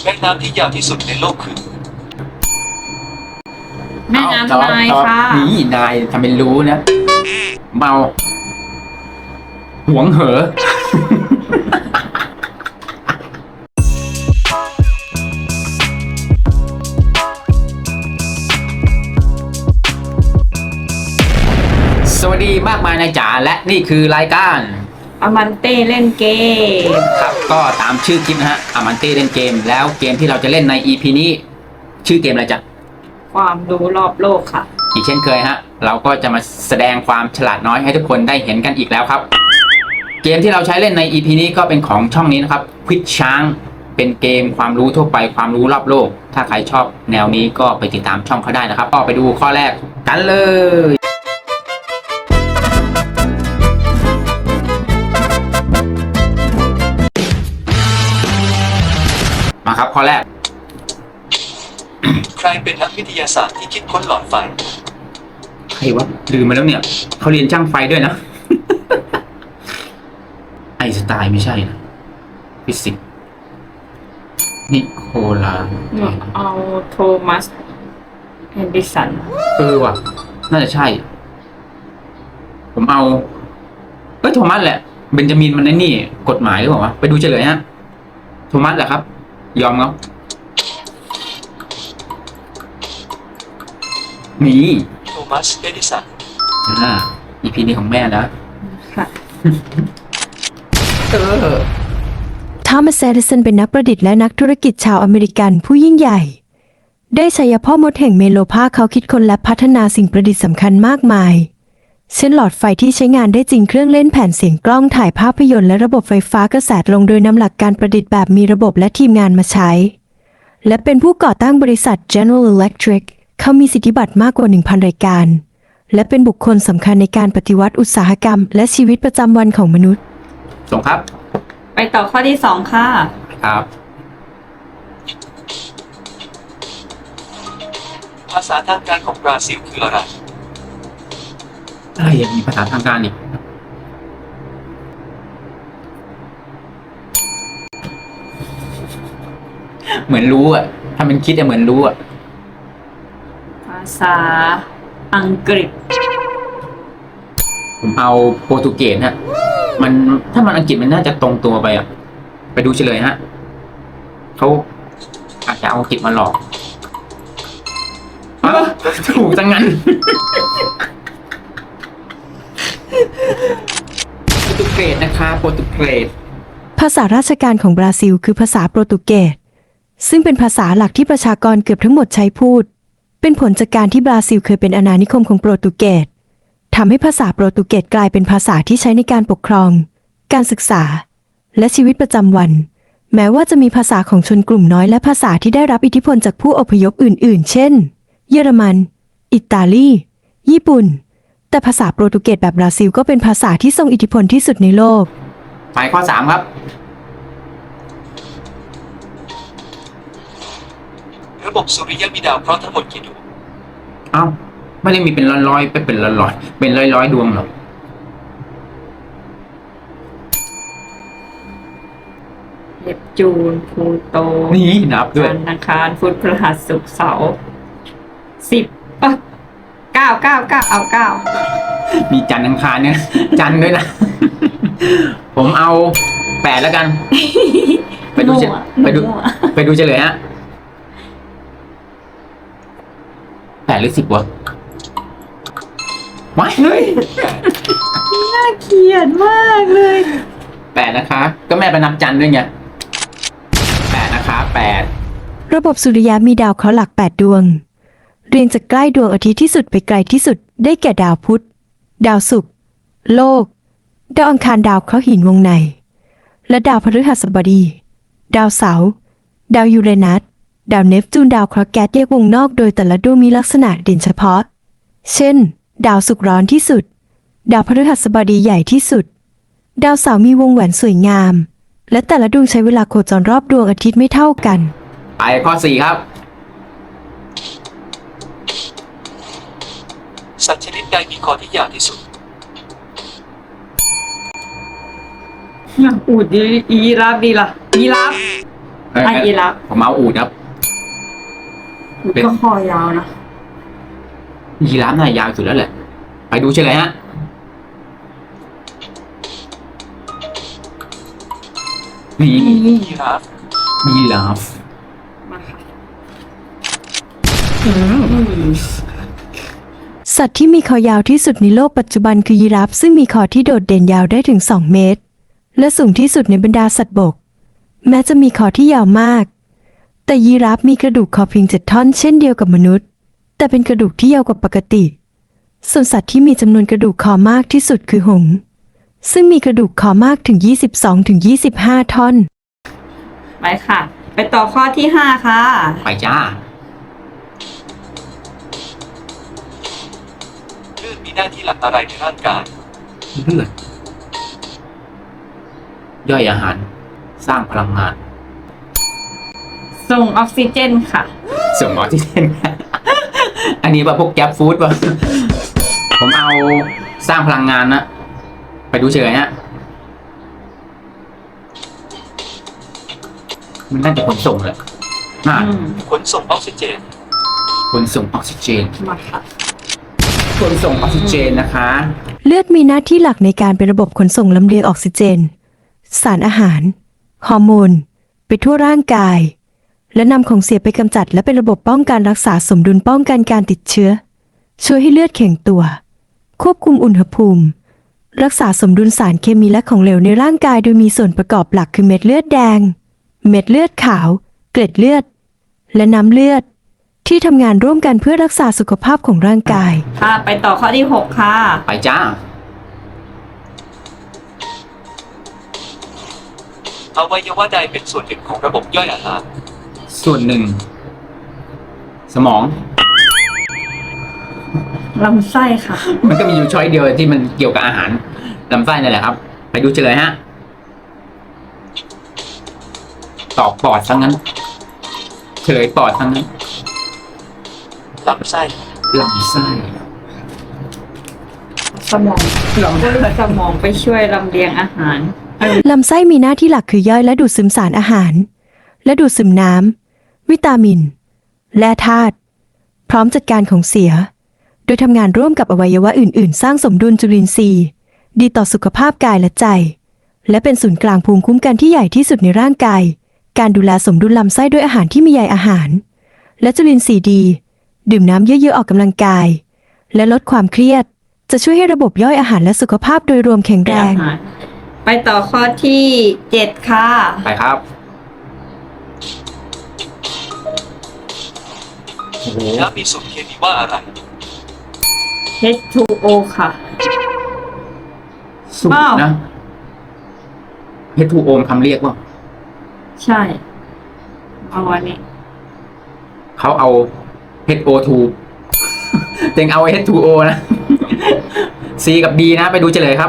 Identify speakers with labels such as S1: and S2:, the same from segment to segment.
S1: แม่น้ำที่ยาวที่สุดในโลกคือ
S2: แม่น้ำนายค่ะ
S3: นี่นายทำเป็นรู้นะ เมา หวงเหอ สวัสดีมากมายนายจ๋าและนี่คือรายการ
S2: อามันเต้เล่นเกม
S3: ครับก็ตามชื่อคลิปนะฮะอามันเต้เล่นเกมแล้วเกมที่เราจะเล่นใน EP นี้ ชื่อเกมอะไรจ๊ะ
S2: ความรู้รอบโลกค่ะ
S3: อีกเช่นเคยฮะเราก็จะมาแสดงความฉลาดน้อยให้ทุกคนได้เห็นกันอีกแล้วครับ เกมที่เราใช้เล่นใน EP นี้ก็เป็นของช่องนี้นะครับควิดช้างเป็นเกมความรู้ทั่วไปความรู้รอบโลก ถ้าใครชอบแนวนี้ก็ไปติดตามช่องเขาได้นะครับก็ไปดูข้อแรกกันเลยมาครับข้อแรก
S1: ใครเป็นนักวิทยาศาสตร์ที่คิดค้นหลอดไฟ
S3: ใครวะลืมมาแล้วเนี่ยเขาเรียนช่างไฟด้วยนะ ไอน์สไตน์ไม่ใช่นะฟิสิกส์นิโคลา
S2: เอาโทมัสเฮนดิสัน
S3: ว่ะน่าจะใช่ ผมเอาโทมัสแหละเบนจามินมันนี่กฎหมายหรือเปล่าวะไปดูเฉลยฮะโทมัสแหละครับ ยอมครับมี
S1: โทมัส เอดิสัน
S3: EP นี้ของแม่นะ
S2: ค่ะ
S4: ทอมัส เอดิสันเป็นนักประดิษฐ์และนักธุรกิจชาวอเมริกันผู้ยิ่งใหญ่ ได้ฉายาพ่อมดแห่งเมโลพาเขาคิดค้นและพัฒนาสิ่งประดิษฐ์สำคัญมากมาย เช่นหลอดไฟที่ใช้งานได้จริงเครื่องเล่นแผ่นเสียงกล้องถ่ายภาพยนตร์และระบบไฟฟ้ากระแสลงโดยนำหลักการประดิษฐ์แบบมีระบบและทีมงานมาใช้ และเป็นผู้ก่อตั้งบริษัท General Electric เขามีสิทธิบัตรมากกว่า 1,000 รายการ และเป็นบุคคลสำคัญในการปฏิวัติอุตสาหกรรมและชีวิตประจำวันของมนุษย์
S3: ส่งครับ
S2: ไปต่อข้อที่สองค่ะ
S3: ครับ
S1: ภาษาทางการของบราซิลคืออะไร
S3: อะไรยังมีภาษาทางการอีกเหมือนรู้อ่ะถ้ามันคิดเหมือนรู้อ่ะ
S2: ภาษาอังกฤษ
S3: ผมเอาโปรตุเกสฮะมันถ้ามันอังกฤษมันน่าจะตรงตัวไปอ่ะไปดูเฉลยฮะเขาอาจจะเอาอังกฤษมาหลอกถูกจังงั้น โปรตุเกสนะคะโปรตุเกส
S4: ภาษาราชการของบราซิลคือภาษาโปรตุเกส ซึ่งเป็นภาษาหลักที่ประชากรเกือบทั้งหมดใช้พูด เป็นผลจากการที่บราซิลเคยเป็นอาณานิคมของโปรตุเกสทำให้ภาษาโปรตุเกสกลายเป็นภาษาที่ใช้ในการปกครอง การศึกษา และชีวิตประจำวัน แม้ว่าจะมีภาษาของชนกลุ่มน้อยและภาษาที่ได้รับอิทธิพลจากผู้อพยพอื่นๆ เช่น เยอรมัน อิตาลี ญี่ปุ่น แต่ภาษาโปรตุเกสแบบบราซิลก็เป็นภาษาที่ทรงอิทธิพลที่สุดในโลก
S3: หมายข้อ 3 ครับ
S1: ระบบสุริยะมีดาวเคราะห์ทั้งหมดกี่ดวง
S3: เอ้าไม่ได้มีเป็นร้อยๆเป็นร้อยๆเป็นร้อยๆดวงหรอก
S2: เนปจูนพลูโต
S3: นี่นับด้วย
S2: จันทร์อังคารพุธพฤหัสศุกร์เสาร์10เก้าเอาเก้า
S3: มีจันทร์อังคารเนี่ย จันทร์ด้วยนะ ผมเอา8แล้วกัน ไปดูไปดูเฉลยฮะ8หรือ10วะว้ายเฮ้ย
S2: น่าเกลียดมากเลย
S3: 8นะคะ ก็แม่ไปนับจันทร์ด้วยไง8นะคะ8
S4: ระบบสุริยะมีดาวเคราะห์หลัก 8 ดวง เรียงจากใกล้ดวงอาทิตย์ที่สุดไปไกลที่สุด ได้แก่ดาวพุธ ดาวศุกร์ โลก ดาวอังคารดาวเคราะห์หินวงใน และดาวพฤหัสบดี ดาวเสาร์ ดาวยูเรนัส ดาวเนปจูน ดาวเคราะห์แก๊สแยกวงนอกโดยแต่ละดวงมีลักษณะเด่นเฉพาะ เช่น ดาวศุกร์ร้อนที่สุด ดาวพฤหัสบดีใหญ่ที่สุด ดาวเสาร์มีวงแหวนสวยงาม และแต่ละดวงใช้เวลาโคจรรอบดวงอาทิตย์ไม่เท่ากัน
S3: ไปข้อ 4 ครับ
S1: สัตว์ชนิดใดมีคอที่ยาวที่สุด
S2: อูดดียีราฟดีล่ะยีราฟยีราฟ
S3: ผมเอาอูฐครับ เป็น
S2: ก็คอยาวนะ
S3: ยีราฟน่ายาวสุดแล้วแหละ ไปดูเฉลยฮะ นี่
S1: ยีราฟ
S3: ยีราฟ
S2: มาค่ะ
S4: สัตว์ที่มีคอยาวที่สุดในโลกปัจจุบันคือยีราฟซึ่งมีคอที่โดดเด่นยาวได้ถึง 2 เมตร และสูงที่สุดในบรรดาสัตว์บก แม้จะมีคอที่ยาวมาก แต่ยีราฟมีกระดูกคอเพียง7 ท่อนเช่นเดียวกับมนุษย์ แต่เป็นกระดูกที่ยาวกว่าปกติ ส่วนสัตว์ที่มีจำนวนกระดูกคอมากที่สุดคือหงส์ซึ่งมีกระดูกคอมากถึง 22-25 ท่อน
S2: ไปค่ะ ไปต่อข้อที่ 5 ค่ะ
S3: ไปจ้า
S1: เลือดมีหน้าที่หลักอะไรในร่างกาย
S3: เลือด ย่อยอาหาร สร้างพลังงาน
S2: ส่งออกซิเจนค่ะ
S3: ส่งออกซิเจน อันนี้ว่าพวกแก๊ปฟู้ดป่ะ ผมเอาสร้างพลังงานนะ ไปดูเฉยฮะ มันน่าจะขนส่งแหละน่า
S1: ขนส่งออกซิเจน
S3: ขนส่งออกซิเจน
S2: มาค่ะ
S3: ขนส่งออกซิเจนนะคะ
S4: เลือดมีหน้าที่หลักในการเป็นระบบขนส่งลำเลียงออกซิเจน สารอาหาร ฮอร์โมน ไปทั่วร่างกาย และนำของเสียไปกำจัดและเป็นระบบป้องกันรักษาสมดุลป้องกันการติดเชื้อ ช่วยให้เลือดแข็งตัว ควบคุมอุณหภูมิ รักษาสมดุลสารเคมีและของเหลวในร่างกายโดยมีส่วนประกอบหลักคือเม็ดเลือดแดง เม็ดเลือดขาว เกล็ดเลือด และน้ำเลือด ที่ทำงานร่วมกันเพื่อรักษาสุขภาพของร่างกาย
S2: ค่ะ ไปต่อข้อที่ 6 ค่ะ
S3: ไปจ้า
S1: อวัยวะใดเป็นส่วนหนึ่งของระบบย่อยอาหาร
S3: ส่วนหนึ่ง สมอง
S2: ลำไส้ค่ะ
S3: มันก็มีอยู่ช้อยเดียวที่มันเกี่ยวกับอาหารลำไส้นั่นแหละครับ ไปดูเฉลยฮะ ตอบปอดทั้งนั้น เฉลยปอดทั้งนั้น
S1: ลำไส้
S3: ลำไส้
S2: สมองสมองไปช่วยลำเลียงอาหาร
S4: ลำไส้มีหน้าที่หลักคือย่อยและดูดซึมสารอาหาร และดูดซึมน้ำ วิตามิน และธาตุพร้อมจัดการของเสีย โดยทำงานร่วมกับอวัยวะอื่นๆ สร้างสมดุลจุลินทรีย์ ดีต่อสุขภาพกายและใจ และเป็นศูนย์กลางภูมิคุ้มกันที่ใหญ่ที่สุดในร่างกาย การดูแลสมดุลลำไส้ด้วยอาหารที่มีใยอาหาร และจุลินทรีย์ดี ดื่มน้ำเยอะๆออกกำลังกาย และลดความเครียด จะช่วยให้ระบบย่อยอาหารและสุขภาพโดยรวมแข็งแรง
S2: ไปต่อข้อที่ 7 ค่ะ
S3: ไปครับ โอ้โห
S1: น้ำมีสูตรเคมีว่าอะไร
S2: H2O ค่ะ
S3: สุด
S2: อ้าว
S3: นะ H2O คำเรียกว่า
S2: ใช่เอาอันนี้
S3: เขาเอา HO2 เต็งเอา H2O นะ C กับ D นะ ไปดูเฉลยครับ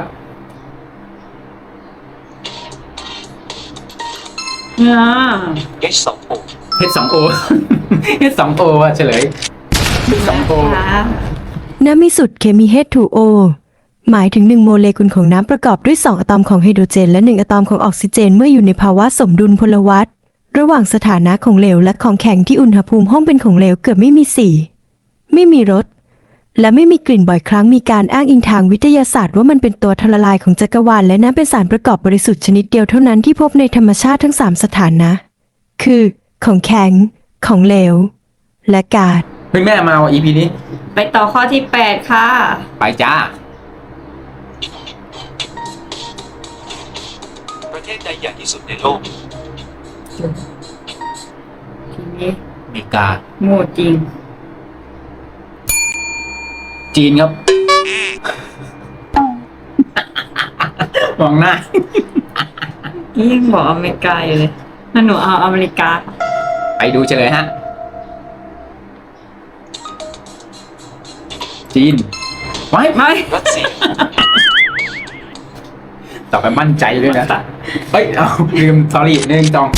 S1: H2O
S3: H2O H2O อะเฉลย H2O
S4: น้ำมีสูตรเคมี H2O หมายถึง1โมเลกุลของน้ำประกอบด้วย2อะตอมของไฮโดรเจนและ1อะตอมของออกซิเจนเมื่ออยู่ในภาวะสมดุลพลวัตระหว่างสถานะของเหลวและของแข็งที่อุณหภูมิห้องเป็นของเหลวเกือบไม่มีสีไม่มีรสและไม่มีกลิ่นบ่อยครั้งมีการอ้างอิงทางวิทยาศาสตร์ว่ามันเป็นตัวทละลายของจักรวาลและน้ำเป็นสารประกอบบริสุทธิ์ชนิดเดียวเท่านั้นที่พบในธรรมชาติทั้ง3สถานะคือของแข็งของเหลวและก๊าซ
S3: เฮ้ยแม่มาว่ะ EP นี้
S2: ไปต่อข้อที่ 8 ค่ะ
S3: ไปจ้า
S1: ประเทศใดใหญ่ที่สุดในโลก
S2: ทีนี้
S3: อเมริกา
S2: โง่จริง
S3: จีนครับ มองหน้า
S2: ยิ่งบอกอเมริกาอยู่เลยถ้าหนูเอาอเมริกา
S3: ไปดูเฉลยฮะ จีน ไว้
S2: ไม่
S1: รัสเซีย
S3: ต่อไปมั่นใจด้วยนะ เฮ้ย เอาลืม sorry 1 2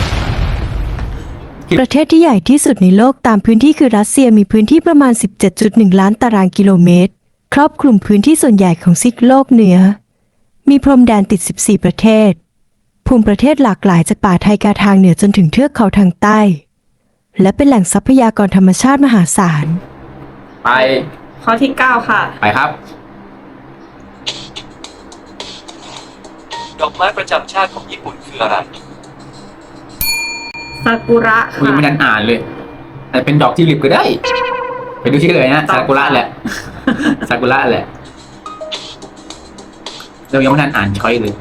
S4: ประเทศที่ใหญ่ที่สุดในโลกตามพื้นที่คือรัสเซียมีพื้นที่ประมาณ 17.1 ล้านตารางกิโลเมตร ครอบคลุมพื้นที่ส่วนใหญ่ของซีกโลกเหนือ มีพรมแดนติด 14 ประเทศภูมิประเทศหลากหลายจากป่าไทกาทางเหนือจนถึงเทือกเขาทางใต้ และเป็นแหล่งทรัพยากรธรรมชาติมหาศาล
S3: ไป
S2: ข้อที่ 9 ค่ะ
S3: ไปครับ
S1: ดอกไม้ประจำชาติของญี่ปุ่นคืออะไร
S2: ซากุระ
S3: คุย
S2: ค่ะ
S3: ไม่ทันอ่านเลยอาจจะเป็นดอกทิวลิปก็ได้ ไปดูที่เลยนะ
S2: ตอบ
S3: ซากุระแหละ ซากุระแหละ เรายังไม่ทันอ่านช้อยเลย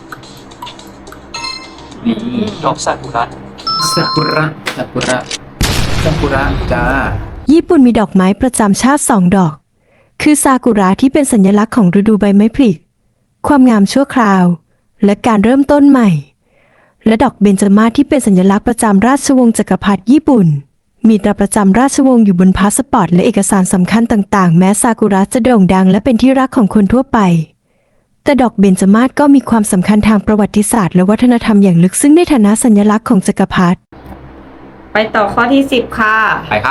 S3: นี่
S1: ดอกซากุระ
S3: ซากุระ ซากุระ ซากุระจ้า
S4: ญี่ปุ่นมีดอกไม้ประจำชาติ2 ดอก คือซากุระที่เป็นสัญลักษณ์ของฤดูใบไม้ผลิความงามชั่วคราว และการเริ่มต้นใหม่ และดอกเบญจมาศที่เป็นสัญลักษณ์ประจำราชวงศ์จักรพรรดิญี่ปุ่น มีตราประจำราชวงศ์อยู่บนพาสปอร์ตและเอกสารสำคัญต่างๆ แม้ซากุระจะโด่งดังและเป็นที่รักของคนทั่วไป แต่ดอกเบญจมาศก็มีความสำคัญทางประวัติศาสตร์และวัฒนธรรมอย่างลึกซึ้งในฐานะสัญลักษณ์ของจักรพรรดิ
S2: ไปต่อข้อที่ 10 ค่ะ
S3: ไปครับ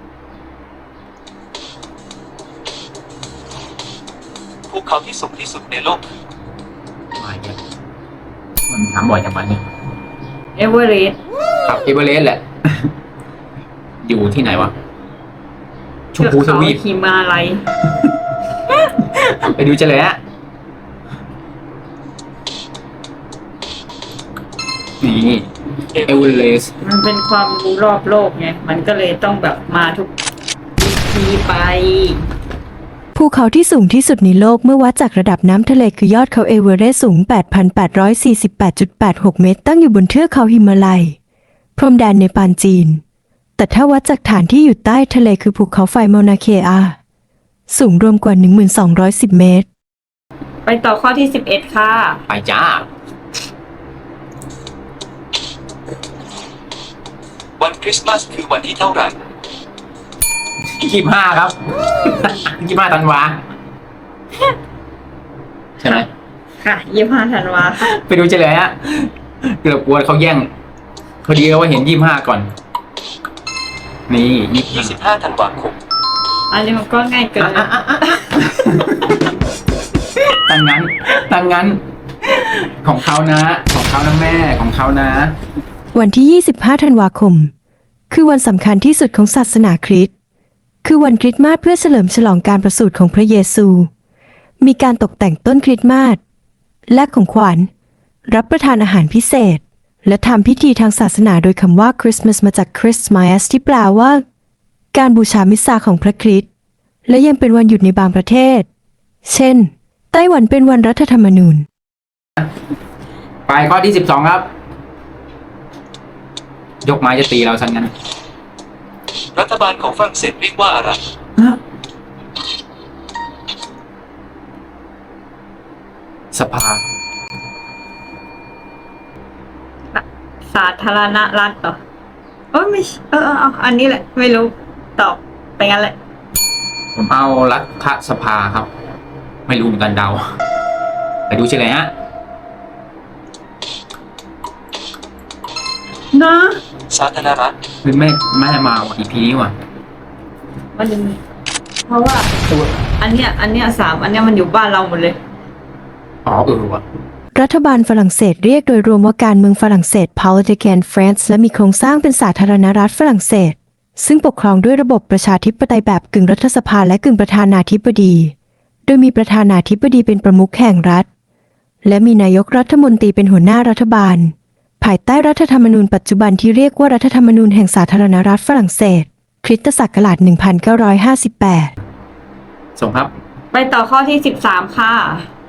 S1: ภูเขาที่สูงที่สุดในโลกคือ
S3: มาอีกแล้วมันถามบ่อยจังวันนี้
S2: เอเวอเรสต์
S3: ครับเอเวอเรสต์แหละ อยู่ที่ไหนวะ ชมพูทวีป
S2: หิมาลัย
S3: ไปดูเฉลยฮะนี่เอเวอเรสต์
S2: มันเป็นความรู้รอบโลกไง มันก็เลยต้องแบบมาทุกทีไป
S4: ภูเขาที่สูงที่สุดในโลกเมื่อวัดจากระดับน้ำทะเลคือยอดเขาเอเวอเรสต์สูง 8,848.86 เมตรตั้งอยู่บนเทือกเขาหิมาลัย พรมแดนเนปาลจีน แต่ถ้าวัดจากฐานที่อยู่ใต้ทะเลคือภูเขาไฟเมานาเคอา สูงรวมกว่า 1,210 เมตร
S2: ไปต่อข้อที่ 11 ค่ะ
S3: ไปจ้า
S1: วันคริสต์มาสคือวันที่เท่าไหร่
S3: 25 ครับ 25 ธันวา ใช่ไหม
S2: ค่ะ 25 ธันวาค่ะ
S3: ไปดูเฉลยฮะเกือบกลัวเขาแย่งพอดีเราว่าเห็น 25 ก่อน นี่25
S1: 25 ธันวาคม
S2: อันนี้มันก็ง่ายเกิน
S3: ตั้งงั้น ของเขานะ ของเขานะแม่ ของเขานะ
S4: วันที่ 25 ธันวาคม คือวันสำคัญที่สุดของศาสนาคริสต์ คือวันคริสต์มาสเพื่อเฉลิมฉลองการประสูติของพระเยซู มีการตกแต่งต้นคริสต์มาส และของขวัญ รับประทานอาหารพิเศษ และทำพิธีทางศาสนาโดยคำว่าคริสต์มาสมาจาก Christmas ที่แปลว่า การบูชามิสซาของพระคริสต์ และยังเป็นวันหยุดในบางประเทศ เช่น ไต้หวันเป็นวันรัฐธรรมนูญ
S3: ไปข้อที่ 12 ครับ ยกไม้จะตีเราซะงั้น
S1: รัฐบาลของฝรั่งเศสเรียกว่าอะไร
S3: สภา
S2: สาธารณรัฐเหรอไม่ใช่เอาอันนี้แหละ ไม่รู้ ตอบไปงั้นแหละ
S3: ผมเอารัฐสภาครับ ไม่รู้เหมือนกันเดา ไปดูเฉลยฮะ
S2: นะ
S1: สาธารณรัฐ
S3: คือไม่มาว่ะ EP นี้ว่ะ
S2: มันเพราะว่า อันเนี้ย3 อันเนี้ยมันอยู่บ้านเราหมดเลย
S3: อ๋อว่ะ
S4: รัฐบาลฝรั่งเศสเรียกโดยรวมว่าการเมืองฝรั่งเศส Politican France และมีโครงสร้างเป็นสาธารณรัฐฝรั่งเศส ซึ่งปกครองด้วยระบบประชาธิปไตยแบบกึ่งรัฐสภาและกึ่งประธานาธิบดี โดยมีประธานาธิบดีเป็นประมุขแห่งรัฐ และมีนายกรัฐมนตรีเป็นหัวหน้ารัฐบาล ภายใต้รัฐธรรมนูญปัจจุบันที่เรียกว่ารัฐธรรมนูญแห่งสาธารณรัฐฝรั่งเศส คริสตศักราช 1958
S3: ส่งครับ
S2: ไปต่อข้อที่ 13 ค่ะ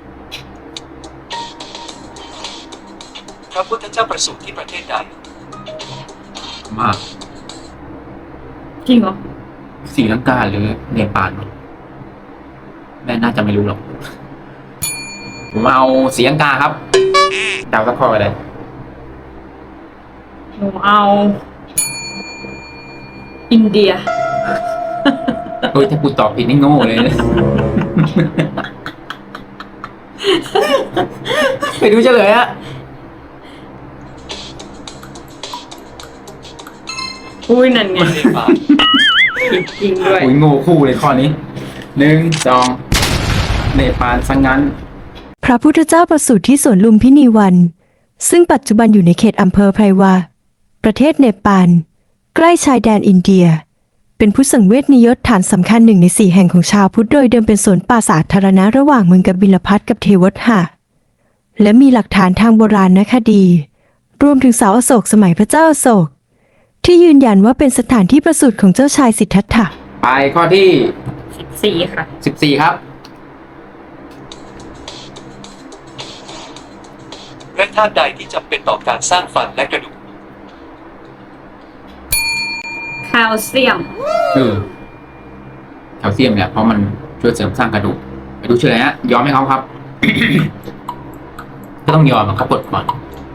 S1: พระพุทธเจ้าประสูติที่ประเทศใด
S3: มาก
S2: จริงเหรอ
S3: ศรีลังกาหรือเนปาลวะแม่น่าจะไม่รู้หรอก ผมเอาศรีลังกาครับเดาสักข้อไปเลย
S2: หนูเอา อินเดีย
S3: เฮ้ยถ้ากูตอบผิดนี่โง่เลยนะ ไปดูเฉลยฮะ
S2: อุ้ยนั่นไง
S1: เนปาล
S2: ผิดจริงด้วย
S3: อุ้ยโง่คู่เลยข้อนี้ 1 2 เนปาลซะงั้น
S4: พระพุทธเจ้าประสูติที่สวนลุมพินีวันซึ่งปัจจุบันอยู่ในเขตอำเภอไพรวา ประเทศเนปาล ใกล้ชายแดนอินเดีย เป็นผู้สังเวชนียฐานสำคัญ1 ใน 4แห่งของชาวพุทธโดยเดิมเป็นสวนป่าสาธารณะระหว่างเมืองกบิลพัทกับเทวทหะและมีหลักฐานทางโบราณคดี รวมถึงเสาอโศกสมัยพระเจ้าอโศก ที่ยืนยันว่าเป็นสถานที่ประสูติของเจ้าชายสิทธัตถะ
S3: ไปข้อที่
S2: 14 ค่ะ
S3: 14 ครับ
S1: แร่ธาตุใดที่จำเป็นต่อการสร้างฟันและกระดูก
S2: แคลเซียม
S3: แคลเซียมเนี่ยเพราะมันช่วยเสริมสร้างกระดูกไปดูเฉลยฮะยอมให้เขาครับ ก็ต้องยอมเขากดก่อน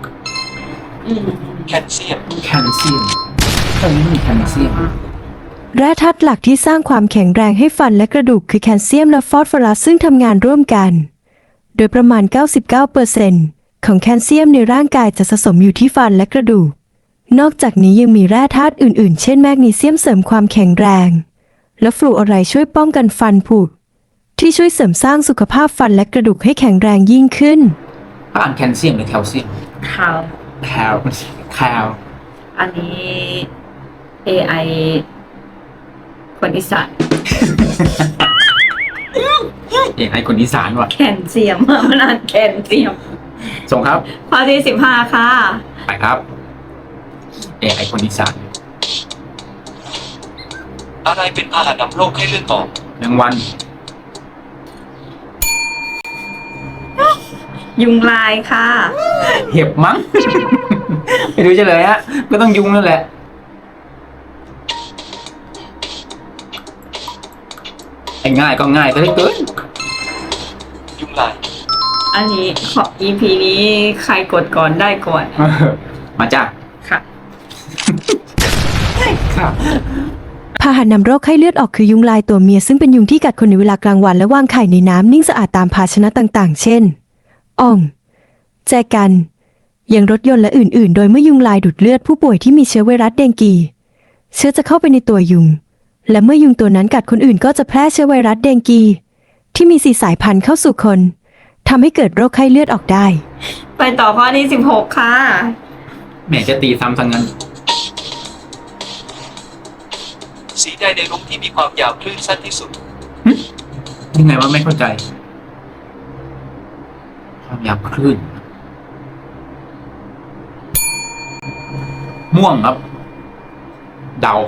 S1: แคลเซียม
S3: แคลเซียมตรงนี้มีแคลเซียม
S4: แร่ธาตุหลักที่สร้างความแข็งแรงให้ฟันและกระดูกคือแคลเซียมและฟอสฟอรัสซึ่งทำงานร่วมกัน โดยประมาณ 99% ของแคลเซียมในร่างกายจะสะสมอยู่ที่ฟันและกระดูก นอกจากนี้ยังมีแร่ธาตุอื่นๆ เช่นแมกนีเซียมเสริมความแข็งแรง และฟลูออไรด์ช่วยป้องกันฟันผุที่ช่วยเสริมสร้างสุขภาพฟันและกระดูกให้แข็งแรงยิ่งขึ้น
S3: อ่านแคลเซียมหรือแคลเซียม
S2: แคล
S3: แคล
S2: อันนี้ AI คนอีสาน
S3: ไอ้คนอีสานว่ะ
S2: แคลเซียม มันอ่านแคลเซียม
S3: ส่งครับ
S2: ข้อที่ 15 ค่ะ
S3: ไปครับไอ้คนอีสาน
S1: อะไรเป็นพาหะนำโรคให้เลือดออก
S3: แมงวัน
S2: ยุงลายค่ะ
S3: เห็บมั้ง ไปดูเฉลยฮะก็ต้องยุงนั่นแหละไอ้ง่ายก็ง่ายซะเหลือเกิน
S1: ยุงลาย
S2: อันนี้ขอ EP นี้ใครกดก่อนได้ก่อน
S3: มาจ้า
S2: ค่ะ
S3: ครับ
S4: พาหะนำโรคไข้เลือดออกคือยุงลายตัวเมียซึ่งเป็นยุงที่กัดคนในเวลากลางวันและวางไข่ในน้ำนิ่งสะอาดตามภาชนะต่างๆ เช่น อ่อง แจกันยังรถยนต์และอื่นๆ โดยเมื่อยุงลายดูดเลือดผู้ป่วยที่มีเชื้อไวรัสเดงกี เชื้อจะเข้าไปในตัวยุง และเมื่อยุงตัวนั้นกัดคนอื่นก็จะแพร่เชื้อไวรัสเดงกี ที่มี4 สายพันธุ์เข้าสู่คนทำให้เกิดโรคไข้เลือดออกได้
S2: ไปต่อข้อที่ 16 ค่ะ
S3: แหมจะตีซ้ำทั้งนั้น
S1: สีใดในรุ้งที่มีความยาวคลื่นสั้นที่สุด
S3: ยังไงว่าไม่เข้าใจ ความยาวคลื่น ม่วงครับ เดา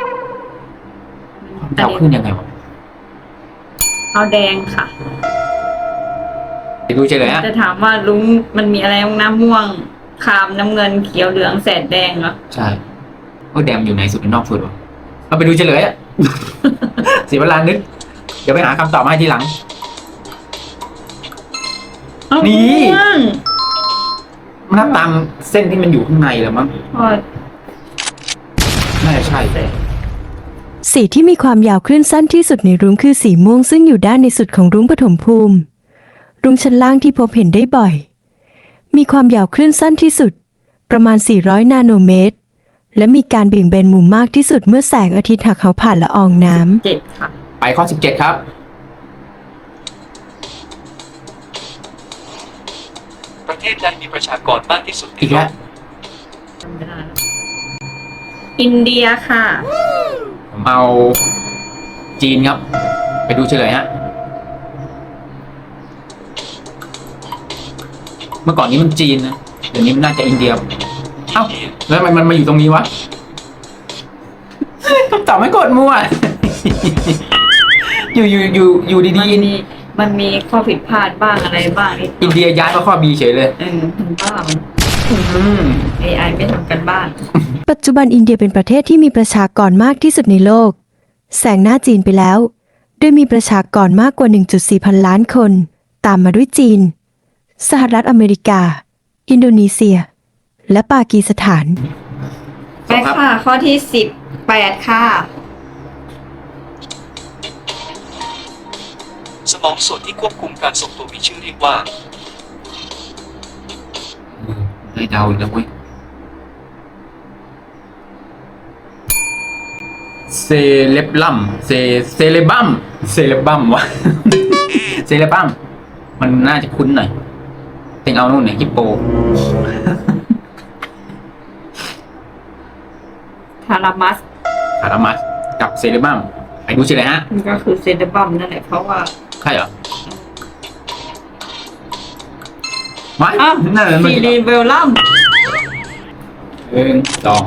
S3: ความยาวคลื่นยังไงวะ
S2: เอาแดงค่ะ
S3: ไปดูเฉลยฮะ
S2: จะถามว่าลุงมันมีอะไรบ้างนะม่วงครามน้ำเงินเขียวเหลืองแสดแดงเหรอ
S3: ใช่แดงอยู่ในสุดหรือนอกสุดวะเราไปดูเฉลยอะ เสียเวลานึก เดี๋ยวไปหาคำตอบมาให้ทีหลัง นี่
S2: ม่วง
S3: มันนับตามเส้นที่มันอยู่ข้างในแล้วมั้ง
S2: พอ
S3: น่าจะใช่
S4: สีที่มีความยาวคลื่นสั้นที่สุดในรุ้งคือสีม่วงซึ่งอยู่ด้านในสุดของรุ้งปฐมภูมิ รุ้งชั้นล่างที่พบเห็นได้บ่อย มีความยาวคลื่นสั้นที่สุด ประมาณ 400 นาโนเมตร และมีการเบี่ยงเบนมุมมากที่สุดเมื่อแสงอาทิตย์หักเขาผ่านละอองน้ำ
S2: 7 ค่ะ
S3: ไปข้อ 17 ครับ
S1: ประเทศใดมีประชากรมากที่สุดใน
S3: อีก
S1: โล
S3: แล้ว
S1: ก
S2: จำไม่ได้แล้วอินเดียค่ะ
S3: ผมเอาจีนครับ ไปดูเฉลยฮะ เมื่อก่อนนี้มันจีนนะ เดี๋ยวนี้มันน่าจะอินเดีย เอ้า แล้วทำไมมันมาอยู่ตรงนี้วะ คำตอบไม่กดมั่ว อยู่ดี
S2: มันมีข้อผิดพลาดบ้างอะไรบ้างนิดหน่
S3: อิ
S2: อน ย
S3: เดียย้ายมาข้อบีเฉยเลย
S2: มันบ้าง
S3: อืม
S2: AI ไม่ทำกันบ้าน
S4: ปัจจุบันอินเดียเป็นประเทศที่มีประชากรมากที่สุดในโลกแซงหน้าจีนไปแล้ว โดยมีประชากรมากกว่า 1.4 พันล้านคน ตามมาด้วยจีน สหรัฐอเมริกา อินโดนีเซีย และปากีสถาน
S2: ไปค่ะ ข้อที่ 18 ค่ะ
S1: สมองส่วนที่ควบคุมการทรงตัวมีชื่อเรียกว่า
S3: ได้เดาอีกแล้วเว้ยเซเลบลัมเซเลบัมวะ เซเลบัมมันน่าจะคุ้นหน่อยเต็งเอานู่นเนี่ยฮิปโป
S2: ทารามัส
S3: คารามัสกับเซเลบัมไอ้ดูชื่ออะไรฮะ
S2: มันก็คือเซเดบัมนั่นแหละเพราะว่า
S3: ใช่เหรอไม่
S2: อ้าว
S3: นั่นมัน
S2: ซีรีเบลลัม
S3: สอง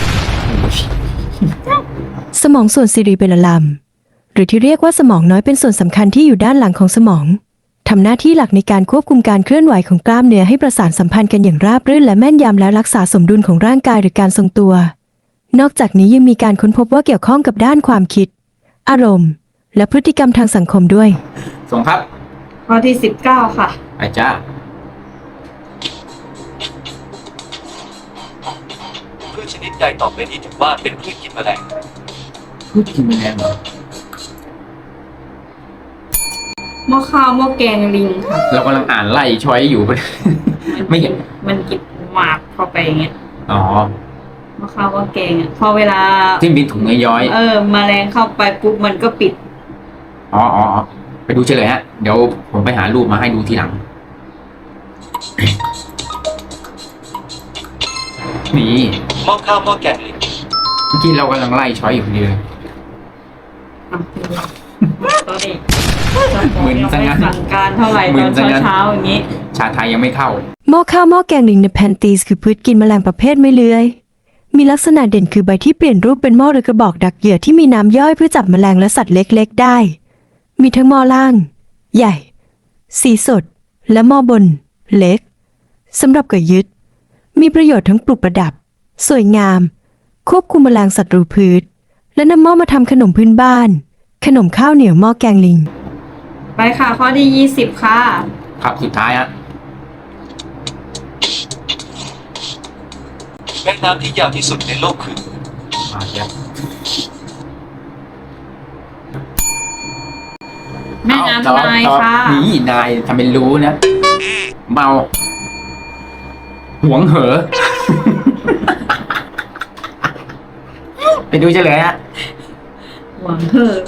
S4: สมองส่วนซีรีเบลลัมหรือที่เรียกว่าสมองน้อยเป็นส่วนสำคัญที่อยู่ด้านหลังของสมองทำหน้าที่หลักในการควบคุมการเคลื่อนไหวของกล้ามเนื้อให้ประสานสัมพันธ์กันอย่างราบรื่นและแม่นยำและรักษาสมดุลของร่างกายหรือการทรงตัว นอกจากนี้ยังมีการค้นพบว่าเกี่ยวข้องกับด้านความคิด อารมณ์ และพฤติกรรมทางสังคมด้วย
S3: ส่งครับ
S2: ข้อที่19ค่ะ
S3: ไอ้จ้า
S1: พืชชนิดใดต่อไปนี้ถือว่าเป็นพืชกินแมลง
S3: พูดกินแมลงเหรอ
S2: หม้อข้าวหม้อแกงลิงค่ะ
S3: เรากำลังอ่านไล่ช้อยอยู่ ไม่เห็น
S2: มันกินหมากเข้าไปอย่างเงี้ย
S3: อ๋อ
S2: หม้อข้าวหม้อแกงอ่ะพอเวลา
S3: ที่มีถุงย้อย
S2: แมลงเข้าไปปุ๊บมันก็ปิด
S3: ๆอ๋อไปดูเฉลยฮะ เดี๋ยวผมไปหารูปมาให้ดูทีหลัง นี่
S1: หม้อข้าวหม้อแกงลิง
S3: เมื่อกี้เรากำลังไล่ช้อยอยู่พอดีเลย
S2: ตัวนี้
S3: มึนซะงั้น
S2: สั่งการเท่าไหร่
S3: มึ
S2: ตอน น
S3: ซะงั้น
S2: เช้าๆอย่างนี้
S3: ชาไทยยังไม่เข้า
S4: หม้อข้าวหม้อแกงลิงในแพนตีสคือพืชกินแมลงประเภทไม่เลื้อย มีลักษณะเด่นคือใบที่เปลี่ยนรูปเป็นหม้อหรือกระบอกดักเหยื่อที่มีน้ำย่อยเพื่อจับแมลงและสัตว์เล็กๆได้ มีทั้งหม้อล่าง ใหญ่ สีสด และหม้อบน เล็กสำหรับก่อยึด มีประโยชน์ทั้งปลูกประดับ สวยงาม ควบคุมแมลงศัตรูพืช และนำหม้อมาทำขนมพื้นบ้าน ขนมข้าวเหนียวหม้อแกงลิง
S2: ไปค่ะข้อที่20ค่ะ
S3: ครับสุดท้ายฮะ
S1: แม่น้ำที่ยาวที่สุดในโลกคือ
S3: มาเดี๋ยว
S2: แม่น้ำนาย
S3: ตอบ
S2: ค่ะ
S3: นี่นายทำเป็นรู้นะ เมา หวงเหอ ไปดูเฉลยฮะ
S2: หวังเถอะ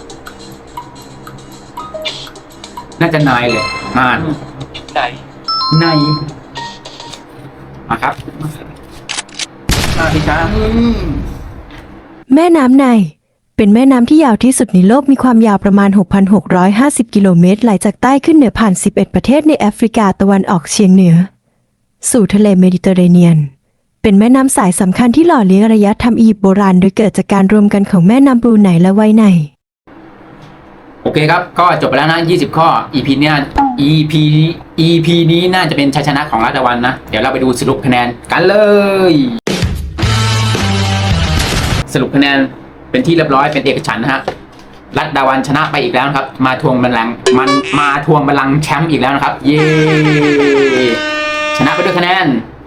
S3: น่าจะนายเลยนาน
S1: ไหน
S3: นายมาครับมาพี่จ้า
S4: แม่น้ำไนล์เป็นแม่น้ำที่ยาวที่สุดในโลกมีความยาวประมาณ 6,650 กิโลเมตรไหลจากใต้ขึ้นเหนือผ่าน 11 ประเทศในแอฟริกาตะวันออกเฉียงเหนือ สู่ทะเลเมดิเตอร์เรเนียน เป็นแม่น้ำสายสำคัญที่หล่อเลี้ยงอารยธรรมอียิปต์โบราณโดยเกิดจากการรวมกันของแม่น้ำบรูไนและไวไน
S3: โอเคครับ ก็จบไปแล้วนะ 20 ข้อ EP เนี่ย EP นี้น่าจะเป็นชัยชนะของรัตวันนะ เดี๋ยวเราไปดูสรุปคะแนนกันเลย สรุปคะแนนเป็นที่เรียบร้อยเป็นเอกฉันท์นะฮะ รัตดาวันชนะไปอีกแล้วนะครับ มาทวงบัลลังก์มาทวงบัลลังก์แชมป์อีกแล้วนะครับ เย้ ชนะไปด้วยคะแนน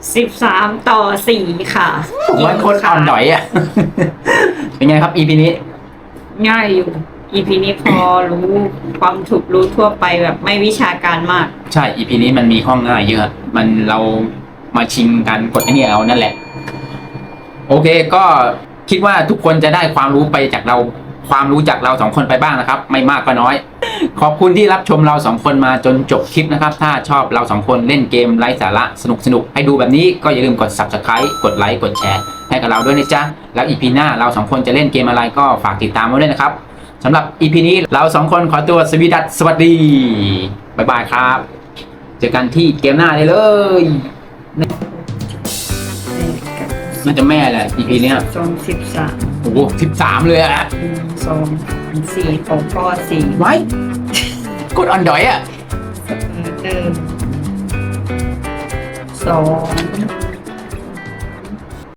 S2: 13-4 ค่ะ
S3: ผมว่าโคตรอ่อนดอยอ่ะ เป็นไงครับ EP นี้
S2: ง่ายอยู่ EP นี้พอรู้ความถูกรู้ทั่วไปแบบไม่วิชาการมาก
S3: ใช่ EP นี้มันมีข้อง่ายเยอะ มันเรามาชิงกันกดไอ้นี่เอานั่นแหละ โอเคก็คิดว่าทุกคนจะได้ความรู้ไปจากเรา ความรู้จากเราสองคนไปบ้างนะครับ ไม่มากก็น้อย ขอบคุณที่รับชมเราสองคนมาจนจบคลิปนะครับ ถ้าชอบเราสองคนเล่นเกมไร้สาระสนุกให้ดูแบบนี้ก็อย่าลืมกด Subscribe กดไลค์กดแชร์ให้กับเราด้วยนะจ๊ะ แล้ว EP หน้าเราสองคนจะเล่นเกมอะไรก็ฝากติดตามไว้ด้วยนะครับสำหรับ EP นี้เราสองคนขอตัวสวัสดีบ๊ายบายครับ เจอกันที่เกมหน้าได้เลยน่าจะแม่แหละ EP เนี้ย
S2: 13
S3: โอ้โห13เลยอะ
S2: 2 4ของข้อ4
S3: ไว้กดออนดอยอะ
S2: 1 2